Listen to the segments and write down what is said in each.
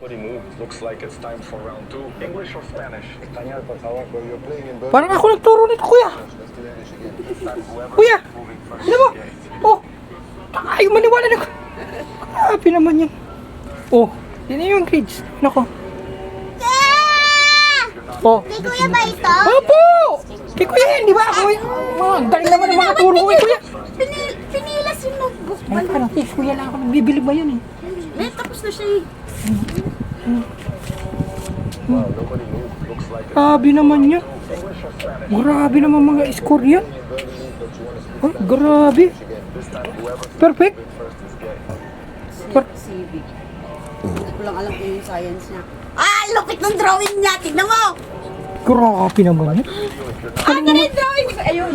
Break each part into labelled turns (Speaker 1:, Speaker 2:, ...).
Speaker 1: Looks like it's time for round 2. English or Spanish?
Speaker 2: Parang ako nagturo nito, kuya. Kuya, ano mo? Oh, ay, maniwala na ko. Grabe naman yan. Oh, yun na yung grades. Nako. Oh.
Speaker 3: Kay Kuya ba ito?
Speaker 2: Opo! Kay kuya yan, di ba? Kuya, galing naman ang mga turo ko kay kuya.
Speaker 3: Pinilas yung notebook.
Speaker 2: Ay, parang kay kuya lang ako nagbibili ba yun eh.
Speaker 3: Tapos na siya eh.
Speaker 2: Grabe naman yan. Grabe naman mga score yan. Oh, grabe. Perfect.
Speaker 4: Civic. Hindi ko lang alam kung yung science niya.
Speaker 3: Lupit ng drawing niya. Tignan mo.
Speaker 2: Grabe naman yan.
Speaker 3: Ano yung drawing ko? Ayun.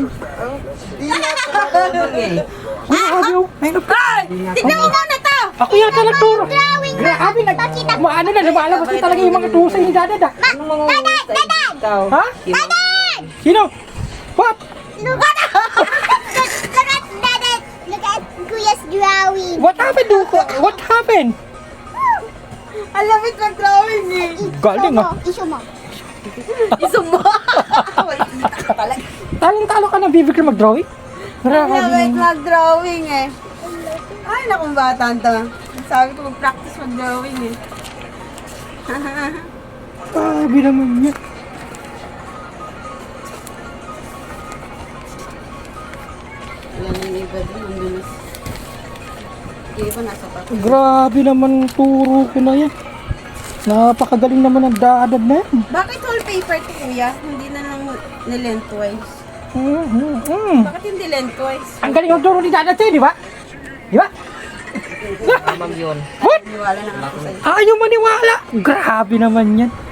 Speaker 2: Grabe oh. Ay,
Speaker 3: Tignan mo muna to.
Speaker 2: ako yata nagturo.
Speaker 3: Drawing mo.
Speaker 2: Grabe, ano na, lumalabas na talaga yung mga tusa ni Dada.
Speaker 3: Dadan!
Speaker 2: Ha?
Speaker 3: Dadan!
Speaker 2: Sino? What?
Speaker 3: Look at Dadan! Look at Kuya's drawing.
Speaker 2: What happened? What happened?
Speaker 4: Ang lamit ng drawing eh.
Speaker 2: Galing ah.
Speaker 3: Iso mo.
Speaker 4: Isumo. Wala ka talaga.
Speaker 2: Talong-talo ka ng bibig ka mag-drawing?
Speaker 4: Ang
Speaker 2: Grabe
Speaker 4: lamit
Speaker 2: naman.
Speaker 4: mag-drawing eh. Ay, nakong bata to. Sabi ko mag-practice mag-drawing eh.
Speaker 2: Grabe naman yan.
Speaker 4: Wala na yung iba din. Ang dulas. Yung iba nasa pa.
Speaker 2: Grabe naman turo ko na yan. Napakagaling naman ang daadad na yan.
Speaker 4: Bakit wallpaper to kuya? Hindi na lang nilentwise. Bakit hindi lentwise?
Speaker 2: Ang galing ang turo ni Dada sa'yo, di ba? Di ba?
Speaker 4: Ma'am yun.
Speaker 2: What?
Speaker 4: Niwala na ako sa'yo.
Speaker 2: Ayaw maniwala. Grabe naman yan.